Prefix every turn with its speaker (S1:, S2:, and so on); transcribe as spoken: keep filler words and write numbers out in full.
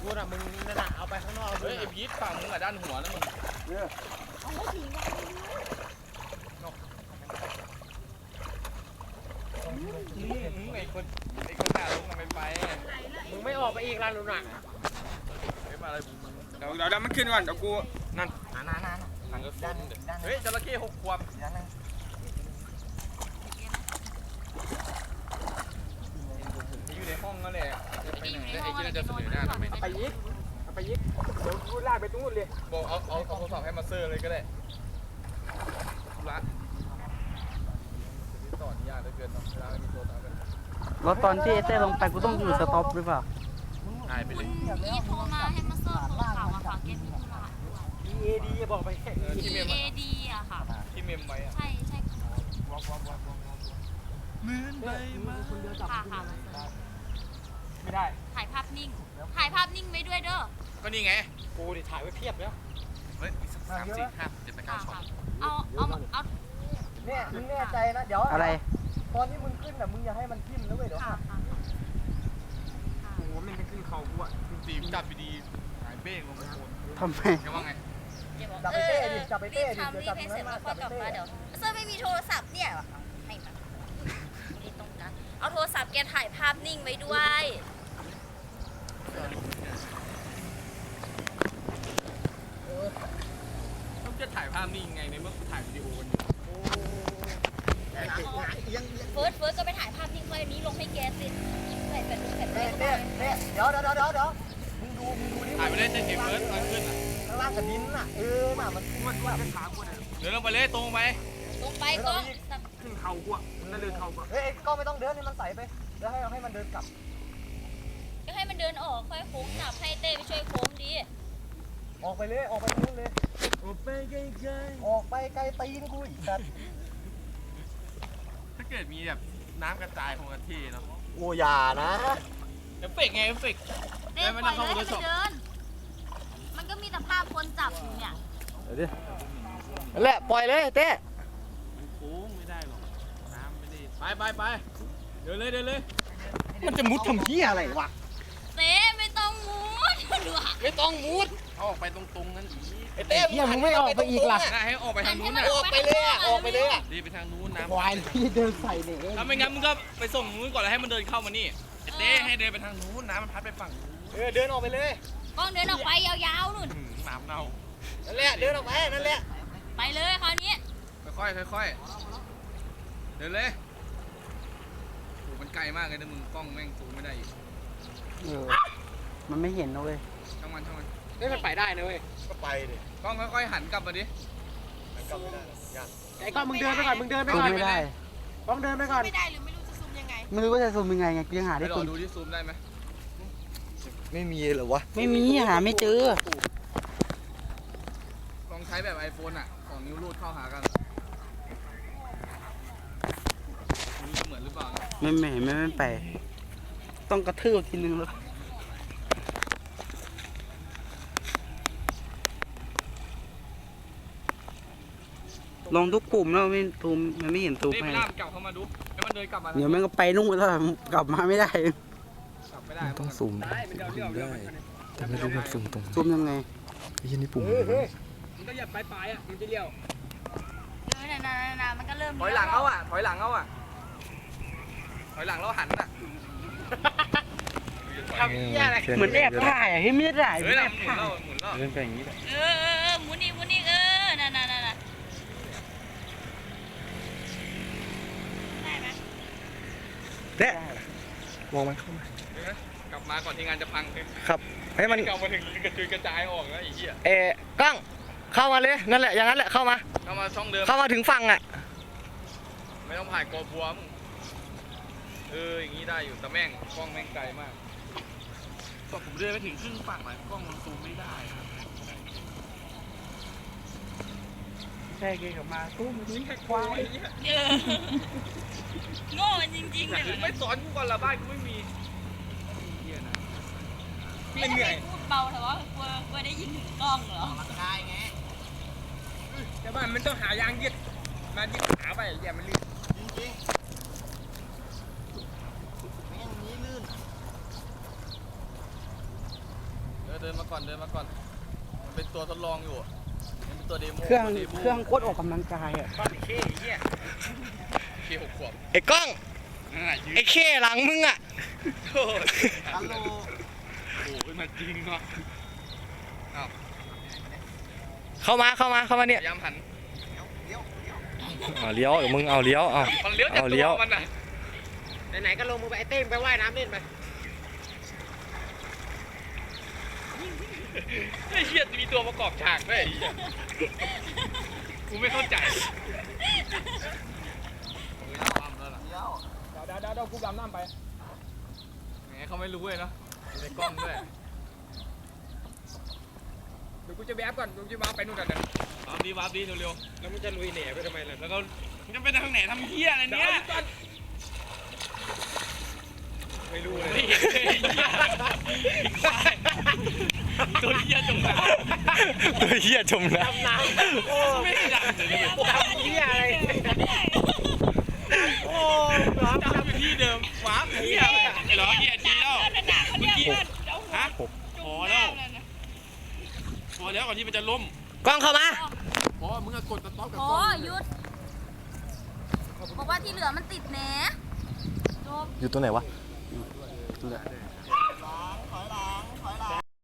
S1: กูน่ะมึงนั่นน่ะเอาไปข้างนอกเฮ้ยไอ้พีทฝั่งมึงอ่ะด้านหัวนะมึงเอาหัวผีมาไอ้คนไอ้คนหน้าลงมันไปมึงไม่ออกไปอีกร้านลุงน่ะไม่มาอะไรเดี๋ยวเดี๋ยวมันขึ้นก่อนเดี๋ยวกูนั่นนั่นนั่นนั่นก็ด้านเฮ้ยจระเข้หกขวบอยู่ในห้องนั่นแหละไปไหนไอ้ที่น่าจะเสนอหน้าทำไมไปยิกไปยิกเดี๋ยวกูลากไปตรงนู้นเลยบอกเอาเอาเอาโทรศัพท์ให้มาเซอร์เลยก็ได้ละต่อนี่ยากเหลือเกินเนาะเวลาไม่มีโทรศัพท์กัน
S2: แล้วตอนที่เอเต้ลงไปกูต้องอยู่สต็อปหรือเปล่า
S1: หายไปเลย
S3: นี่โทรมาให้มาเซิร์ฟโทรข่าวมาฝากเกมมีธุระ
S1: อี เอ ดี บอกไปแค่
S3: อี เอ ดี อะค่ะ
S1: ที่เมมไว้อะ
S3: ใช่ใช่
S1: เหมือนใบไม้
S3: ค่ะค่ะ
S1: ไม่ได้
S3: ถ่ายภาพนิ่งถ่ายภาพนิ่งไว้ด้วยเด้อ
S1: ก็นี่ไงกูดิถ่ายไว้เพียบแล้วเฮ้ยสามสี่ห้าเจ็ดแปดเก้าช็อต
S3: เอาเอาเอา
S4: เนี่ยมึงแน่ใจนะเดี๋ยว
S2: อะไร
S4: ตอนที่มึงขึ้นแบบมึงอย่าให้มันทิ่มนะเว้ยเดี๋ยว
S3: ค่ะ
S1: โอ้โหมันจะขึ้นเขากูอ่ะตีมจับดีหายเบ้งลงไปโคน
S2: ทำไม
S1: แกว่าไง
S4: จับไปเต้ดิจับไปเต้ดิ
S3: เดี๋ยวจับตรงนั้นมาจับไปเต้เดี๋ยวเซิร์ฟไม่มีโทรศัพท์เนี่ยให้มาดีตรงกันเอาโทรศัพท์แกถ่ายภาพนิ่งไว้ด้วย
S1: ต้องจะถ่ายภาพนี่ยังไงในเมื่อกูถ่ายวิดีโอกัน
S3: เฟิร์สเฟิร์สก็ไปถ่ายภาพนิ่งไว้นี้ลงให้แกสิใส่แผ่นแผ่น
S4: เต้เต้เต้เดี๋ยวเดี๋ยวเดี๋ยวเดี๋ยวมึงดูมึงดูนี่
S1: ถ่ายไปเลยเต้นเกมเฟิร์สตอนขึ้นอ่ะ
S4: ข้างล่างกับดินน่ะเออน่ะมันมันมันขากูเนี่ย
S1: เดินลงไปเลยตรงไป
S3: ลงไปก็
S1: ขึ้นเขากูอ่ะนั่นเดินเขากู
S4: เฮ้ยก็ไม่ต้องเดินให้มันใส่ไปแล้วให้ให้มันเดินกลับ
S3: ก็ให้มันเดินออกค่อยโค้งจับให้เต้ไปช่วยโค้งดี
S4: ออกไปเลยออกไปนู้นเลย
S1: ออกไปไกล
S4: ๆออกไปไกลตีนกูอีกสัตว์
S1: ถ้าเกิดมีแบบน้ำกระจายของกะทิเนาะ
S4: โอ้ยานะ
S1: เอฟเฟกไงเอฟเฟก
S3: เต้ปล่อยเลยให้มันเดินมันก็มีแต่ภาพคนจับอยู่เนี่ย
S4: เดี๋ยวดิแหละปล่อยเลยเต้
S1: มันโค้งไม่ได้หรอกน้ำไม่ได้ไปไปไปเดินเลยเดินเลย
S4: มันจะมุดทำเหี้ยอะไรวะ
S3: เต้ไม่ต้องมุดดูอ่ะ
S1: ไม่ต้องมุดเอาออกไปตรงๆนั่นอี
S4: ไอ้เต้มึงไม่ออกไปอีกล่ะ
S1: ให้ออกไปทางนู้นน่ะ
S4: ออกไปเลยอ่ะออกไปเลยอ่ะ
S1: ดีไปทางนู้นนะ
S4: ควายที่เดินใส่เนี่ย
S1: ถ้าไม่งั้นมึงก็ไปส่งนู้นก่อนแล้วให้มันเดินเข้ามานี่เต้ให้เดินไปทางนู้นน้ำมันพัดไปฝั่ง
S4: เออเดินออกไปเลย
S3: ก้องเดินออกไปยาวๆนู่น
S1: น้ำเน่า
S4: นั่นแหละเดินออกไปนั่นแหละ
S3: ไปเลยคราวนี้
S1: ค่อยๆค่อยๆเดินเลยโอ้มันไกลมากเลยนะมึงกล้องแม่งซูมไม่ได้อีก
S2: เออมันไม่เห็นนะเว้ย
S1: ช่างมันช่างมัน
S4: นี่มันไปได้นะเว้ยก็ไปดิ
S1: กล้องค่อยๆหันกลับมาดิ
S4: หันกลับไม่ได้ยังไอ้กล้องมึงเดินไปก่อนมึงเดินไปก่อน
S2: ไม่ได้
S4: กล้องเดินไปก่อน
S3: ไม่ได้หรือไม่รู้จะซูมยังไง
S2: ไม่รู้ว่าจะซูมยังไงไงยังหาได้
S1: ตุนดูที่ซูมได้ไหม
S4: ไม่มีเหรอวะ
S2: ไม่มีหาไม่เจอ
S1: ลองใช้แบบไอโฟนอ่ะสองนิ้วรูดเข้าหากันนี่เหมือนหรือเปล่า
S2: ไม่ไม่ไม่ไม่ไปต้องกระทืบทีนึงแล้วลองทุกปุ่มแล้วไม่ตูมมันไม่เห็นตูม
S1: ให้กลับเข้ามาดูให้มันเดินกลับมา
S2: เดี๋ยวมันก็ไปนู่นแล้วกลับมาไม่ได้
S1: กลับไม่ได้
S5: ต้องซูมได้แต่ไม่รู้แบบซูมตรง
S2: ซูมยังไง
S5: ไอ้ยี่นี่ปุ่ม
S1: มันก็หยัดปลายปลายอ่ะมันจะเลี้ยว
S3: เออนานามันก็เริ่ม
S1: ถอยหลังเอาอ่ะถอยหลังเอาอ่ะถอยหลังแล้วหันอ่ะ
S2: เหมือนแอบถ่ายอ่ะให้ไม่ได้
S1: เฮ้ยหมุนแล้วหมุนแล้ว
S5: เล่นไปอย่างนี้แหละ
S3: เออเออหมุนอีกหมุนอีกเออนั่นนั่นนั่นได้ไหม
S4: เด้
S5: มองมันเข้ามาก
S1: ลับมาก่อนที่งานจะพัง
S4: ครับให้มัน
S1: กลับมาถึงกระจุยกระจายออกแล้วไอ้เหี้ย
S4: เอ๊กล้องเข้ามาเลยนั่นแหละอย่างนั้นแหละเข้ามา
S1: เข้ามาช่องเดิม
S4: เข้ามาถึงฝั่งอ่ะ
S1: ไม่ต้องผ่านกอบัวมึงเอออย่างนี้ได้อยู่แต่แม่งกล้องแม่งไกลมากก็ผมเดินไปถึงครึ่งฝั่งเลยกล้องมันซูมไม่ได้ครับ
S2: แค่เกยกับมาตู้มันนี่แค่ควาย
S3: โง่จริงๆเลย
S1: ไม่สอนกูก่อนละบ้านกูไม่มี
S3: ไม่เหนื่อยพูดเบาแต่ว่ากลัวกลัวได้ยินถึงกล้องเหรอ
S1: มันได้ไงแต่บ้านมันต้องหายางยึดมายึดขาไปอย่ามันลื่นจริงๆแม่งนี้ลื่นเดินมาก่อนเดินมาก่อนมันเป็นตัวทดลองอยู่มันเป็นตัวเดโม
S2: เครื่อง
S1: ตัวดโม
S2: เครื่องโคตรออกกำลังกายอ่ะ
S1: ก้อนเคเหี้ยเคหกขวบ
S6: ไอ้กล้องไอ้เข้หลังมึงอ่ะ
S1: ฮัลโหลโอ้ยมันจริงเนาะอ้าว
S6: เข้ามาเข้ามาเข้ามาเนี่ย
S1: พยายามหัน
S6: เอาเลี้ยวเดี๋ยวมึงเอาเลี้ยวเอา
S1: มันเลี้ยวจาก
S6: เอา
S1: ตั
S6: เลี้ยว
S1: วมันน่ะ
S4: ไหนๆก็ลงมึงไปไอ้เต้มไปว่ายน้ำเล่นไป
S1: ไอ้เหี้ยมีตัวประกอบฉากด้วยไอ้เหี้ยกูไม่เข้าใจ
S4: เดี๋ยวเดี๋ยวเดี๋ยวกูดำน้ำไป
S1: แหมเขาไม่รู้เลยเนาะอยู่ในกล้องด้วย
S4: เดี๋ยวกูจะแวบก่อนกูจะมาไปนู่นก่อนเดี๋ยว
S1: วาร์ปดีวาร์ปดีเร็ว
S4: แล้วมึงจะลุยเหน่ไปทำไมล่ะ
S1: ๆแล้วก็มึงจะไปทางไหนทำเหี้ยอะไรเนี่ย
S4: ไม่รู้เลย
S1: ไม่เห็นเลยตัวเหี้ยจมน้ำ
S6: ตัวเหี้ยจมน้
S4: น้ำโอ้
S1: ไม่ได้ดังเลยเนี่ย
S4: ดำเหี้ยอะไรโอ้ร้อน
S1: จำอยู่ที่เดิมวาร์ปเหี้ยอะไรอะไอ้เหรอเหี้ยจีแล้วเมื่อกี้ฮะพอแล้วพอแล้วก่อนที่มันจะล้ม
S6: ำกล้องเข้ามา
S4: พอมึงอะกดสต็อปกับ
S3: โอ้หยุดบอกว่าที่เหลือมันติดแหนจบ
S5: อยู่ตัวไหนวะ